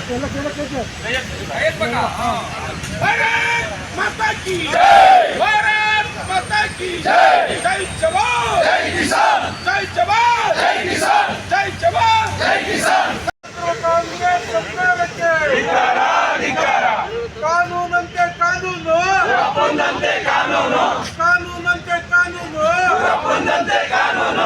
भारत माता की जय, भारत माता की जय, जय जवान जय किसान, जय जवान जय किसान, जय जवान जय किसान। कांग्रेस ಸರ್ಕಾರಕ್ಕೆ ಧಿಕ್ಕಾರ ಧಿಕ್ಕಾರ, ಕಾನೂನಂತೆ ಕಾನೂನು ಒಪ್ಪಂದಂತೆ ಕಾನೂನು, ಕಾನೂನಂತೆ ಕಾನೂನು ಒಪ್ಪಂದಂತೆ ಕಾನೂನು।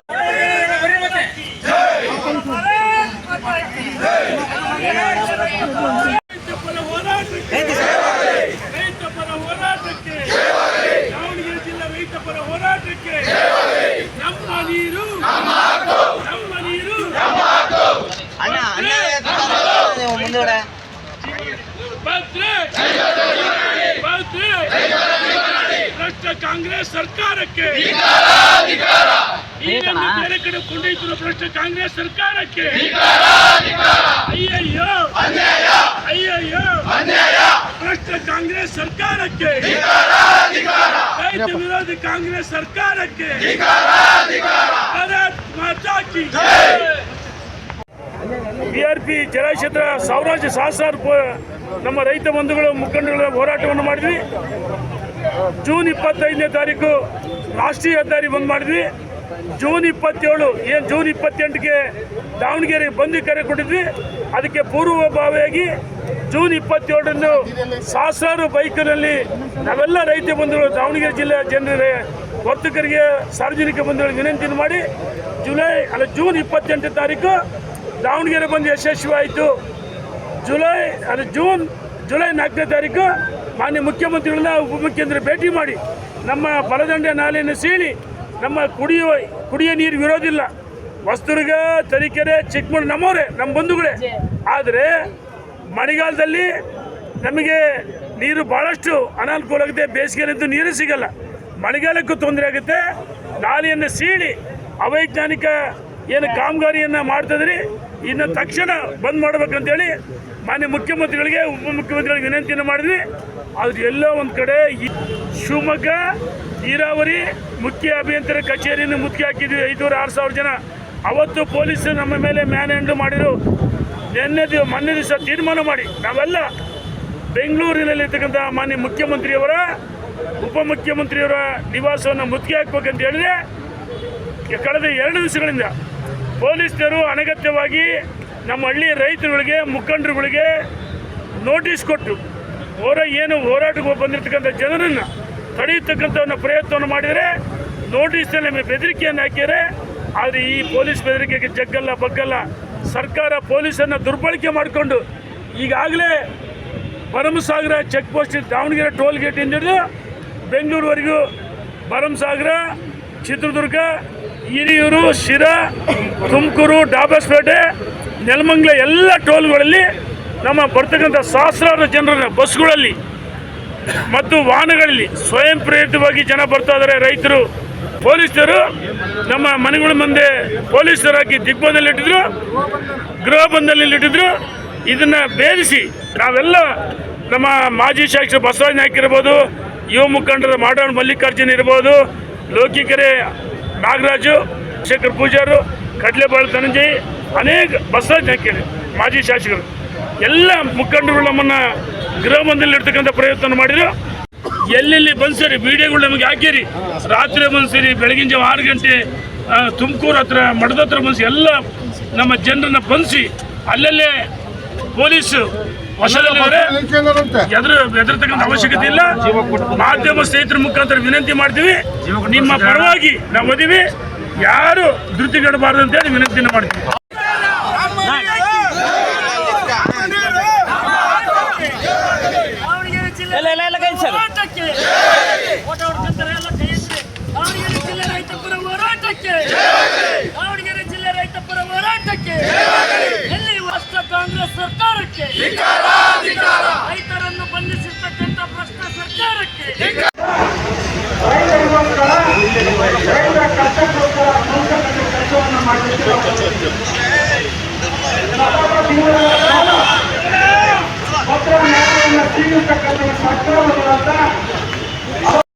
ದಾವಣಗೆರೆ ಜಿಲ್ಲಾ ರೈತ ಪರ ಹೋರಾಟಕ್ಕೆ ನಮ್ಮ ನೀರು ನಮ್ಮ ನೀರು ಭ್ರಷ್ಟ ಕಾಂಗ್ರೆಸ್ ಸರ್ಕಾರಕ್ಕೆ ಬೇರೆ ಕಡೆ ಕೊಂಡೊಯ್ತಿರೋ ಭ್ರಷ್ಟ ಕಾಂಗ್ರೆಸ್ ಸರ್ಕಾರಕ್ಕೆ ಅಯ್ಯಯ್ಯೋ ಅಯ್ಯಯ್ಯೋ ಭ್ರಷ್ಟ ಕಾಂಗ್ರೆಸ್ ಸರ್ಕಾರಕ್ಕೆ, ರೈತ ವಿರೋಧಿ ಕಾಂಗ್ರೆಸ್ ಸರ್ಕಾರಕ್ಕೆ ಭಾರತ್ ಮಾತಾ ಕಿ ಜೈ। ಬಿಆರ್ಪಿ ಜಲಕ್ಷೇತ್ರ ಸಾವಿರಾರು ಸಹಸ್ರಾರು ನಮ್ಮ ರೈತ ಬಂಧುಗಳು ಮುಖಂಡಗಳ ಹೋರಾಟವನ್ನು ಮಾಡಿದ್ವಿ। ಜೂನ್ 25ನೇ ತಾರೀಕು ರಾಷ್ಟ್ರೀಯ ಹೆದ್ದಾರಿ ಬಂದ್ ಮಾಡಿದ್ವಿ। ಜೂನ್ 27 ಜೂನ್ 28ಗೆ ದಾವಣಗೆರೆ ಬಂದ್ ಕರೆ ಕೊಟ್ಟಿದ್ವಿ। ಅದಕ್ಕೆ ಪೂರ್ವಭಾವಿಯಾಗಿ ಜೂನ್ 27ರಂದು ಸಹಸ್ರಾರು ಬೈಕ್ನಲ್ಲಿ ನಾವೆಲ್ಲ ರೈತ ಬಂಧುಗಳು ದಾವಣಗೆರೆ ಜಿಲ್ಲೆಯ ಜನರ ವರ್ತಕರಿಗೆ ಸಾರ್ವಜನಿಕ ಬಂಧುಗಳಿಗೆ ವಿನಂತಿಯನ್ನು ಮಾಡಿ ಜೂನ್ 28ನೇ ತಾರೀಕು ದಾವಣಗೆರೆ ಬಂದು ಯಶಸ್ವಿ ಆಯಿತು। ಜುಲೈ 4ನೇ ತಾರೀಕು ಮಾನ್ಯ ಮುಖ್ಯಮಂತ್ರಿಗಳನ್ನ ಉಪಮುಖ್ಯಮಂತ್ರಿ ಭೇಟಿ ಮಾಡಿ ನಮ್ಮ ಬಲದಂಡೆ ನಾಲೆಯನ್ನು ಸೀಳಿ ನಮ್ಮ ಕುಡಿಯೋ ನೀರು ವಿರೋಧಿಲ್ಲ, ಹೊಸದುರ್ಗ, ತರೀಕೆರೆ, ಚಿಕ್ಕಮಗಳೂರು ನಮ್ಮವರೇ, ನಮ್ಮ ಬಂಧುಗಳೇ। ಆದರೆ ಮಳೆಗಾಲದಲ್ಲಿ ನಮಗೆ ನೀರು ಭಾಳಷ್ಟು ಅನಾನುಕೂಲ ಆಗುತ್ತೆ, ಬೇಸಿಗೆಯಲ್ಲಂತೂ ನೀರು ಸಿಗಲ್ಲ, ಮಳೆಗಾಲಕ್ಕೂ ತೊಂದರೆ ಆಗುತ್ತೆ। ನಾಲೆಯನ್ನು ಸೀಳಿ ಅವೈಜ್ಞಾನಿಕ ಏನು ಕಾಮಗಾರಿಯನ್ನು ಮಾಡ್ತಿದ್ರಿ ಇನ್ನು ತಕ್ಷಣ ಬಂದ್ ಮಾಡ್ಬೇಕಂತೇಳಿ ಮಾನ್ಯ ಮುಖ್ಯಮಂತ್ರಿಗಳಿಗೆ ಉಪಮುಖ್ಯಮಂತ್ರಿಗಳಿಗೆ ವಿನಂತಿಯನ್ನು ಮಾಡಿದ್ವಿ। ಆದ್ರೆ ಎಲ್ಲೋ ಒಂದು ಕಡೆ ಶಿವಮೊಗ್ಗ ನೀರಾವರಿ ಮುಖ್ಯ ಅಭಿಯಂತರ ಕಚೇರಿಯನ್ನು ಮುತ್ತಿಗೆ ಹಾಕಿದ್ವಿ, 5,000-6,000 ಜನ। ಅವತ್ತು ಪೊಲೀಸರು ನಮ್ಮ ಮೇಲೆ ಮ್ಯಾನ್ ಹ್ಯಾಂಡ್ ಮಾಡಿದ್ರು। ಮೊನ್ನೆ ದಿವಸ ತೀರ್ಮಾನ ಮಾಡಿ ನಾವೆಲ್ಲ ಬೆಂಗಳೂರಿನಲ್ಲಿರ್ತಕ್ಕಂಥ ಮಾನ್ಯ ಮುಖ್ಯಮಂತ್ರಿಯವರ ಉಪಮುಖ್ಯಮಂತ್ರಿಯವರ ನಿವಾಸವನ್ನು ಮುತ್ತಿಗೆ ಹಾಕ್ಬೇಕಂತ ಹೇಳಿದ್ರೆ ಕಳೆದ 2 ದಿವಸಗಳಿಂದ ಪೊಲೀಸರು ಅನಗತ್ಯವಾಗಿ ನಮ್ಮ ಹಳ್ಳಿ ರೈತರುಗಳಿಗೆ ಮುಖಂಡರುಗಳಿಗೆ ನೋಟಿಸ್ ಕೊಟ್ಟು ಹೋರಾಟಕ್ಕೆ ಬಂದಿರತಕ್ಕಂಥ ಜನರನ್ನು ತಡೆಯತಕ್ಕಂಥ ಪ್ರಯತ್ನವನ್ನು ಮಾಡಿದರೆ ನೋಟಿಸ್ನಲ್ಲಿ ಬೆದರಿಕೆಯನ್ನು ಹಾಕಿದರೆ, ಆದರೆ ಈ ಪೊಲೀಸ್ ಬೆದರಿಕೆಗೆ ಜಗ್ಗಲ್ಲ ಬಗ್ಗಲ್ಲ। ಸರ್ಕಾರ ಪೊಲೀಸನ್ನು ದುರ್ಬಳಕೆ ಮಾಡಿಕೊಂಡು ಈಗಾಗಲೇ Bharamasagara check post Davanagere toll ಗೇಟಿಂದ ಹಿಡಿದು ಬೆಂಗಳೂರುವರೆಗೂ ಭರಮಸಾಗರ, ಚಿತ್ರದುರ್ಗ, ಹಿರಿಯೂರು, ಶಿರಾ, ತುಮಕೂರು, ಡಾಬಸ್ಪೇಟೆ, ನೆಲಮಂಗಲ ಎಲ್ಲ ಟೋಲ್ಗಳಲ್ಲಿ ನಮ್ಮ ಬರ್ತಕ್ಕಂಥ ಸಹಸ್ರಾರು ಜನರ ಬಸ್ಗಳಲ್ಲಿ ಮತ್ತು ವಾಹನಗಳಲ್ಲಿ ಸ್ವಯಂ ಪ್ರೇರಿತವಾಗಿ ಜನ ಬರ್ತಾ ಇದ್ದಾರೆ ರೈತರು। ಪೊಲೀಸರು ನಮ್ಮ ಮನೆಗಳ ಮುಂದೆ ಪೊಲೀಸರು ಹಾಕಿ ದಿಗ್ಬಂಧನಲ್ಲಿಟ್ಟಿದ್ರು, ಗೃಹ ಬಂಧನದಲ್ಲಿಟ್ಟಿದ್ರು। ಇದನ್ನು ಭೇದಿಸಿ ನಾವೆಲ್ಲ ನಮ್ಮ ಮಾಜಿ ಶಾಸಕರು ಬಸವರಾಜ ನಾಯ್ಕ ಇರ್ಬೋದು, ಯುವ ಮುಖಂಡರ ಮಾಡಾಳ್ ಮಲ್ಲಿಕಾರ್ಜುನ್ ಇರ್ಬೋದು, ಲೋಕಿಕೆರೆ ನಾಗರಾಜು, ಶೇಖರ್ ಪೂಜಾರು, ಕಡ್ಲೆಬಾಳು ಧನಂಜಯ್, ಅನೇಕ ಬಸವರಾಜ ನಾಯ್ಕ ಮಾಜಿ ಶಾಸಕರು ಎಲ್ಲ ಮುಖಂಡರು ನಮ್ಮನ್ನು ಗೃಹ ಬಂಧನದಲ್ಲಿರ್ತಕ್ಕಂಥ ಪ್ರಯತ್ನ ಮಾಡಿದ್ರು। ಎಲ್ಲೆಲ್ಲಿ ಬಂದ್ಸರಿ ವಿಡಿಯೋಗಳು ನಮಗೆ ಹಾಕಿರಿ, ರಾತ್ರಿ ಬಂದ್ಸರಿ, ಬೆಳಗಿನ ಜಾವ 6 ಗಂಟೆ ತುಮಕೂರು ಹತ್ರ ಮಠದ ಹತ್ರ ಬಂದಿಸಿ ಎಲ್ಲ ನಮ್ಮ ಜನರನ್ನು ಬಂಧಿಸಿ ಅಲ್ಲಲ್ಲೇ ಪೊಲೀಸು ವಶದಲ್ಲಿದ್ದಾರೆ। ಹೆದರ್ತಕ್ಕಂಥ ಅವಶ್ಯಕತೆ ಇಲ್ಲ। ಮಾಧ್ಯಮ ಸ್ನೇಹಿತರ ಮುಖಾಂತರ ವಿನಂತಿ ಮಾಡ್ತೀವಿ, ನಿಮ್ಮ ಪರವಾಗಿ ನಾವು ಓದಿವಿ, ಯಾರು ಧೃತಿಗೆಡಬಾರ್ದು ಅಂತೇಳಿ ವಿನಂತಿಯನ್ನು ಮಾಡ್ತೀವಿ। ಕಾಂಗ್ರೆಸ್ ಸರ್ಕಾರಕ್ಕೆ, ರೈತರನ್ನು ಬಂಧಿಸಿರ್ತಕ್ಕಂಥ ಭ್ರಷ್ಟ ಸರ್ಕಾರಕ್ಕೆ